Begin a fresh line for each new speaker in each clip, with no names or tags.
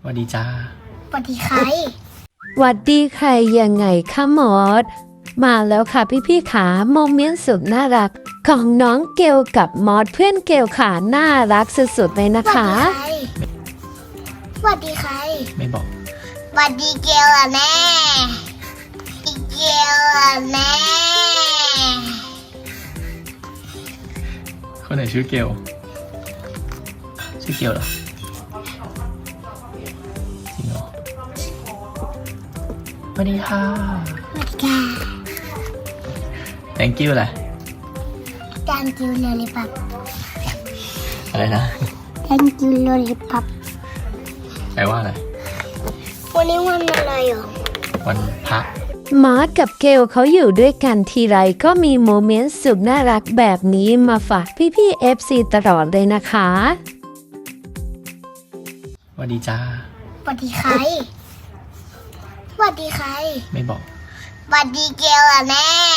วัสดีจ้า
สวัสดีใคร
หวัดดีใครยังไงคะมอสมาแล้วค่ะพี่ๆขาโมเมนต์สุดน่ารักของน้องเกลกับมอสเพื่อนเกลขาน่ารักสุดๆเลยนะคะ
สวัสดีใคร
ไม่บอก
สวัสดีเกลอะแม่เกลอะแม่
คนไหนชื่อเกลชื่อเกลเหรอจริงเหรอสวัสดีค่ะ
สวัสดีค่ะ
thank you อะไร
Thank you lollipop
อะไรนะ
Thank you lollipop
แปลว่าอะไร
วันนี้วันอะไรเหรอ
วันพระ
มอสกับเกลเขาอยู่ด้วยกันทีไรก็มีโมเมนต์สุดน่ารักแบบนี้มาฝากพี่ๆ FC ตลอดเลยนะคะ
สวัสดีจ้า
สวัสดีใคร สวัสดีใคร
ไม่บอก
สวัสดีเกลอะแม่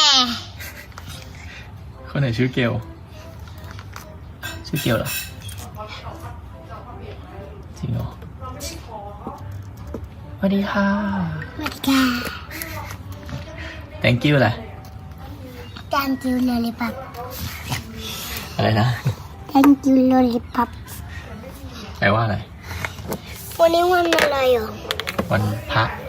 คนไหนชื่อเกลชื่อเกลเหรอจริงเหรอสวัสดีค่ะ
สวัสดีค่ะ
thank you อะไร
Thank you lollipop
อะไรนะ
Thank you lollipop
แปลว่าอะไร
วันนี้วันอะไรเหรอ
วันพระ